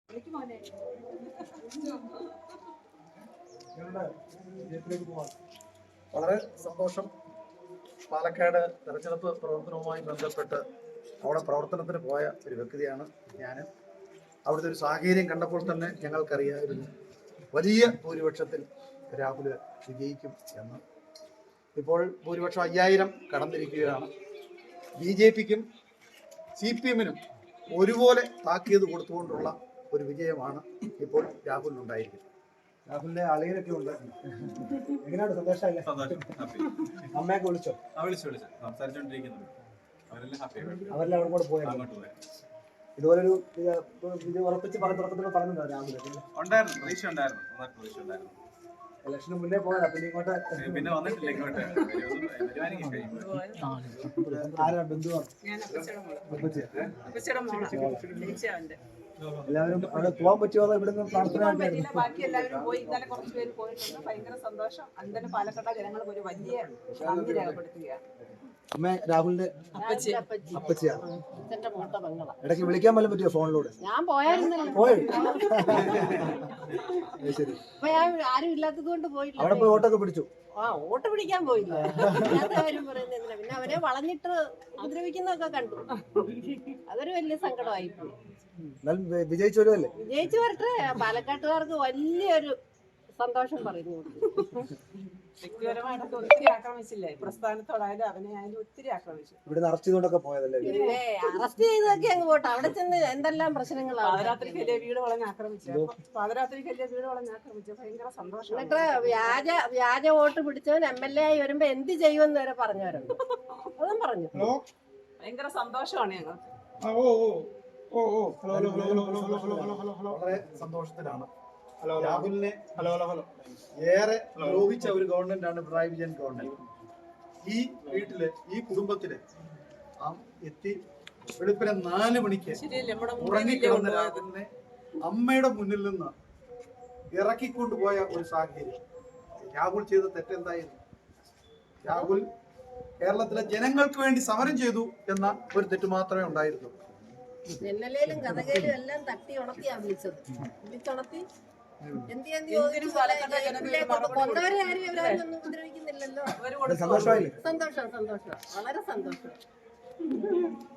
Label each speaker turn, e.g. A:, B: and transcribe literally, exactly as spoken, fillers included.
A: വളരെ സന്തോഷം. പാലക്കാട് തെരഞ്ഞെടുപ്പ് പ്രവർത്തനവുമായി ബന്ധപ്പെട്ട് അവിടെ പ്രവർത്തനത്തിന് പോയ ഒരു വ്യക്തിയാണ് ഞാൻ. അവിടുത്തെ ഒരു സാഹചര്യം കണ്ടപ്പോൾ തന്നെ ഞങ്ങൾക്കറിയാമായിരുന്നു വലിയ ഭൂരിപക്ഷത്തിൽ രാഹുൽ വിജയിക്കും എന്ന്. ഇപ്പോൾ ഭൂരിപക്ഷം അയ്യായിരം കടന്നിരിക്കുകയാണ്. ബി ജെ പിക്കും സി പി എമ്മിനും ഒരുപോലെ താക്കീത് കൊടുത്തുകൊണ്ടുള്ള ഒരു വിജയമാണ് ഇപ്പോൾ രാഹുലിനുണ്ടായിരിക്കുന്നത്. രാഹുലിന്റെ അളിയനൊക്കെ ഉണ്ട്. എങ്ങനെയാണ്? സന്തോഷമല്ലേ? അമ്മയൊക്കെ വിളിച്ചോ? അവരെല്ലാം അവിടെ കൂടെ പോയായിരുന്നു. ഇതുപോലൊരു ഇത് ഉറപ്പിച്ച് പറഞ്ഞ തുടക്കത്തിൽ പറഞ്ഞിട്ടുണ്ടോ രാഹുൽ? ഇലക്ഷന് മുന്നേ പോയതാ, പിന്നെ ഇങ്ങോട്ട്
B: പിന്നെ വന്നിട്ടില്ല. ഇങ്ങോട്ട്
A: ആരാ ബന്ധുവാണ്? എല്ലാവരും അവിടെ പോകാൻ പറ്റുമോ? ഇവിടുന്ന് പ്രാർത്ഥന
C: ബാക്കി എല്ലാവരും പോയി. ഇന്നലെ കുറച്ച് പേര് പോയിട്ടുണ്ട്. ഭയങ്കര സന്തോഷം. അന്തന് പാലക്കാട് ജനങ്ങൾക്ക് ഒരു വലിയ നന്ദി രേഖപ്പെടുത്തുകയാണ്.
A: അമ്മ രാഹുലിന്റെ അപ്പച്ചിയാണ്. ഇടയ്ക്ക് വിളിക്കാൻ പോലും പറ്റിയോ ഫോണിലൂടെ?
D: ഞാൻ പോയായിരുന്നല്ലോ.
A: പോയി ശരി.
D: ആരും ഇല്ലാത്തത് കൊണ്ട് പോയില്ല.
A: അവിടെ പോയി ഓട്ടൊക്കെ പിടിച്ചു.
D: ആ ഓട്ട് പിടിക്കാൻ പോയില്ല. കാര്യം പറയുന്നില്ല. പിന്നെ അവരെ വളഞ്ഞിട്ട് ഉപദ്രവിക്കുന്നതൊക്കെ കണ്ടു. അതൊരു വലിയ സങ്കടമായി പോയി.
A: വിജയിച്ചു വരുമല്ലേ?
D: വിജയിച്ചു വരട്ടെ. പാലക്കാട്ടുകാർക്ക് വലിയൊരു സന്തോഷം പറയുന്നു.
C: വ്യക്തിപരമായിട്ടൊക്കെ ഒത്തിരി ആക്രമിച്ചില്ലേ? പ്രസ്ഥാനത്തോടായാലും അവനെ ആയാലും ഒത്തിരി ആക്രമിച്ചു.
A: ഇവിടുന്ന് അറസ്റ്റ് ചെയ്തോണ്ടൊക്കെ പോയതല്ലേ?
D: പിന്നെ അറസ്റ്റ് ചെയ്തൊക്കെ അങ്ങ് പോട്ടെ. അവിടെ ചെന്ന് എന്തെല്ലാം പ്രശ്നങ്ങളാണ്.
C: പാതിരാത്രിക്കല്ലേ വീട് വളഞ്ഞ് ആക്രമിച്ചു. പാതിരാത്രിക്കല്ലേ വീട് വളഞ്ഞ് ആക്രമിച്ചു. ഭയങ്കര സന്തോഷം.
D: എന്നിട്ട് വ്യാജ വ്യാജ വോട്ട് പിടിച്ചവൻ എം എൽ എ ആയി വരുമ്പോ എന്ത് ചെയ്യുമെന്ന് വരെ പറഞ്ഞവരുണ്ട്. അതും പറഞ്ഞു.
C: ഭയങ്കര സന്തോഷമാണ് ഞങ്ങൾക്ക്.
A: വളരെ സന്തോഷത്തിലാണ്. രാഹുലിനെ ഏറെ ലോപിച്ച ഒരു ഗവൺമെന്റ് ആണ് പിണറായി വിജയൻ ഗവൺമെന്റ്. ഈ വീട്ടില് ഈ കുടുംബത്തില് എത്തി വെളുപ്പിനെ നാല് മണിക്ക് ഉറങ്ങിക്കിടന്ന രാഹുലിനെ അമ്മയുടെ മുന്നിൽ നിന്ന് ഇറക്കിക്കൊണ്ടുപോയ ഒരു സാഹചര്യം. രാഹുൽ ചെയ്ത തെറ്റെന്തായിരുന്നു? രാഹുൽ കേരളത്തിലെ ജനങ്ങൾക്ക് വേണ്ടി സമരം ചെയ്തു എന്ന ഒരു തെറ്റ് മാത്രമേ ഉണ്ടായിരുന്നുള്ളൂ.
D: ജനലേലും കഥകയിലും എല്ലാം തട്ടി ഉണത്തിയാ വിളിച്ചത്. വിളിച്ചുണത്തി കൊന്നവരെ ആരും ഇവരൊന്നും ഉപദ്രവിക്കുന്നില്ലല്ലോ.
A: സന്തോഷമായില്ലേ?
D: സന്തോഷം സന്തോഷം വളരെ സന്തോഷം.